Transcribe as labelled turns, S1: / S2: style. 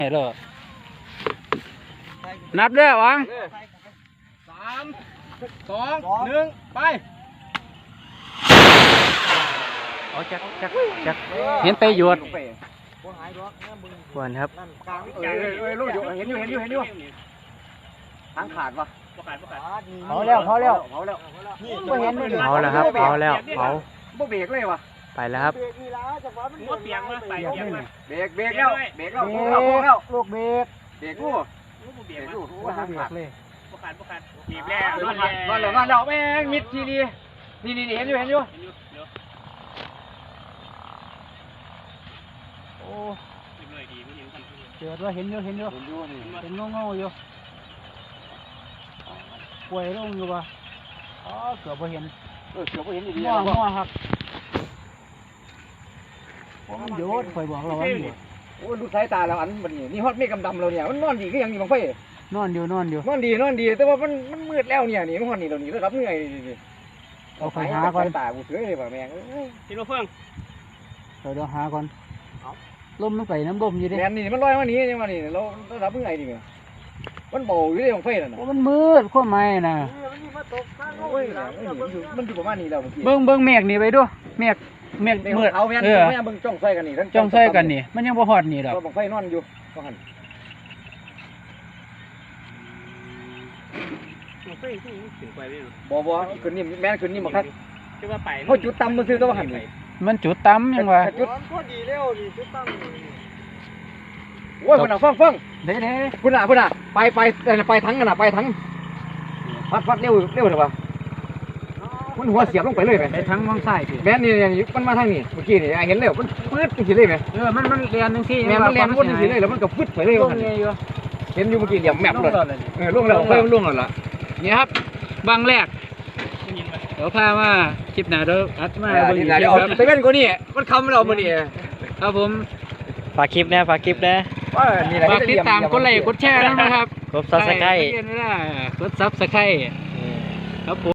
S1: เด้อนับเด้อวัง
S2: 3 2 1ไป
S1: เอาจักเห็นไปหยวดควรครับ
S2: ลูกอยู่เห็นอยู่ทางขาดวะ
S1: เผาแล้ว
S2: เอาแล้ว
S1: เผาแล้วครับเผาแล้วเผา
S2: บ่เบรกเลยวะ
S1: ไปแล้วครับ
S3: หัวเปียกมาไปเปียกมา
S2: เบรกแล้วพวกแล้ว
S1: ลูกเบรก
S2: ลูก
S3: เปียก
S2: ลูกว่าทางขาด
S3: เลยประกันบีบแล้ว
S2: มาแล้วแม่งมิดทีดีนี่เห็นอยู่
S1: โอ้เจอว่าเห็นอยู่เงาอยู่ป่วยลงอยู่ป่ะอ๋อเกือบไม่เห็น
S2: ดี
S1: มั่วครับมันหยุดคอยบอกเราว่าหยุด
S2: โอ้ดูสายตาเราอันมันนี่ฮอตไม่กำดำเราเนี่ยมันนอนดีก็ยังมีบางไฟ
S1: นอนอยู่
S2: นอนดีแต่ว่ามันมืดแล้วเนี่ยนี่มันฮอตนี่เรานี่ระดับเหนื่อย
S1: เอาไปหาก่อน
S2: ตากูเสือเลยป่ะแม่ง
S3: ที่เราเฟื่อง
S1: เดี๋ยวหาก่อนลมลงไปน้ำลมอยู่ดิ
S2: แม่นี่มันลอยมานี่ยังมานี่เราระดับเหนื่อยดิมันเบาอยู่เลยบางไฟนั่น
S1: มันมืดข้อไม้น่ะ
S2: มันอยู่ประมาณนี้แล้ว
S1: เบิ้งเมฆนี่ไปดูเมฆมืด
S2: เอาแม่เบิ้งจ้องไฟกันนี่
S1: จ้องไฟกันนี่มันยังบ่ฮอดนี่ดอก
S2: บางไฟนอนอยู่ก็หันบ่ขึ้นนี่แม่ขึ้นนี่บ่ครับเขาจุดต่ำมันคือก็ว่าหัน
S1: มันจุดต่ำยังวะ
S2: จุดพอดีแล้วนี่จุดต่ำโอ้ยคุณฟัง
S1: เด้
S2: คุณไปทั้งกันไปทั้งพัดเร็วเถอะวะมันหัวเสียบลงไปเลยไหม
S1: ไปทั้งมองซ้าย
S2: แม่นี่มันมาทางนี้เมื่อกี้นี่เห็นแล้วมันปื๊ดจังซี่เลยไหม
S1: มันเรียนจังซี่
S2: แม่มันเรียนวนจังซี่เลยแล้วมันก็ฟึดไปเลยว่าเห็นอยู่เมื่อกี้เหลี่ยมแมปเลยล่วงแล้วไฟมันล่วงแล้วล่ะ
S1: นี่ครับบางแรกเดี๋ยวพามาคลิปหน้าเดี๋ยวอัดมา
S2: เดี๋ยวไปกันกว่านี้มันคำเรามื้อนี้
S1: ครับผม
S4: ฝากคลิปนะฝาก
S1: ติดตามกดไลค์กดแชร์นะครับ
S4: กดซับสไครต์
S1: กดซับสไครต์ครับผม